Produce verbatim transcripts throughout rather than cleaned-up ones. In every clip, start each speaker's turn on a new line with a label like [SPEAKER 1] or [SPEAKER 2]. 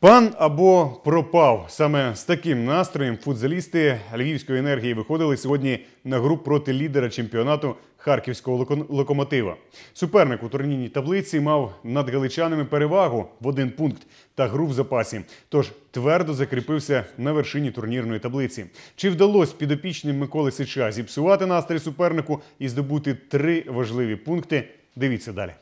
[SPEAKER 1] Пан або пропав. Саме з таким настроєм футзалісти Львівської енергії виходили сьогодні на гру проти лідера чемпіонату Харківського локомотива. Суперник у турнірній таблиці мав над галичанами перевагу в один пункт та гру в запасі. Тож твердо закріпився на вершині турнірної таблиці. Чи вдалося підопічним Миколи Сича зіпсувати настрій супернику і здобути три важливі пункти? Дивіться далі.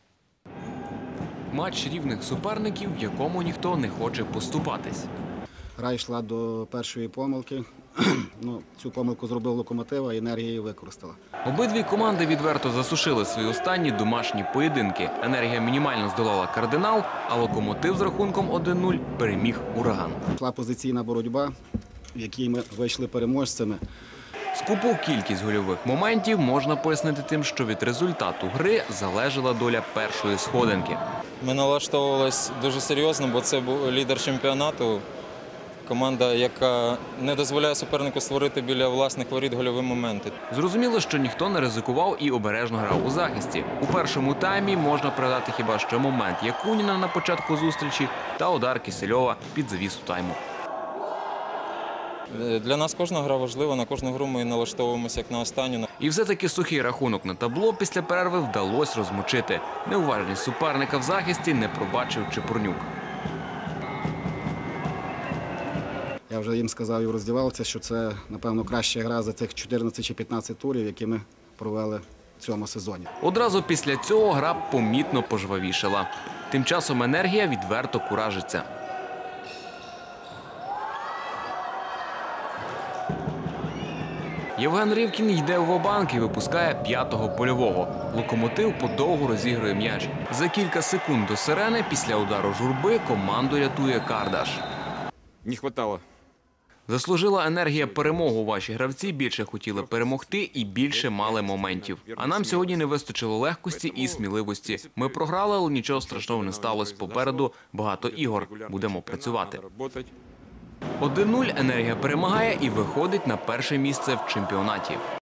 [SPEAKER 2] Матч рівних суперників, в якому ніхто не хоче поступатись.
[SPEAKER 3] Гра йшла до першої помилки. Ну, цю помилку зробив Локомотив, а енергія її використала.
[SPEAKER 2] Обидві команди відверто засушили свої останні домашні поєдинки. Енергія мінімально здолала Кардинал, а Локомотив з рахунком один нуль переміг Ураган.
[SPEAKER 3] Йшла позиційна боротьба, в якій ми вийшли переможцями.
[SPEAKER 2] Скупу кількість гольових моментів можна пояснити тим, що від результату гри залежала доля першої сходинки.
[SPEAKER 4] Ми налаштовувалися дуже серйозно, бо це був лідер чемпіонату. Команда, яка не дозволяє супернику створити біля власних воріт гольові моменти.
[SPEAKER 2] Зрозуміло, що ніхто не ризикував і обережно грав у захисті. У першому таймі можна пригадати хіба що момент Якуніна на початку зустрічі та удар Кисельова під завісу тайму.
[SPEAKER 4] Для нас кожна гра важлива, на кожну гру ми налаштовуємося як на останню.
[SPEAKER 2] І все-таки сухий рахунок на табло після перерви вдалося розмочити. Неуважність суперника в захисті не пробачив Чепурнюк.
[SPEAKER 3] Я вже їм сказав і в роздівалці, що це, напевно, краща гра за тих чотирнадцять чи п'ятнадцять турів, які ми провели в цьому сезоні.
[SPEAKER 2] Одразу після цього гра помітно пожвавішала. Тим часом енергія відверто куражиться. Євген Ривкін йде в ва-банк і випускає п'ятого польового. Локомотив подовго розігрує м'яч. За кілька секунд до сирени після удару журби команду рятує Кардаш.
[SPEAKER 5] Не хватало.
[SPEAKER 2] Заслужила енергія перемогу. Ваші гравці більше хотіли перемогти і більше мали моментів. А нам сьогодні не вистачило легкості і сміливості. Ми програли, але нічого страшного не сталося. Попереду багато ігор. Будемо працювати. один нуль енергія перемагає і виходить на перше місце в чемпіонаті.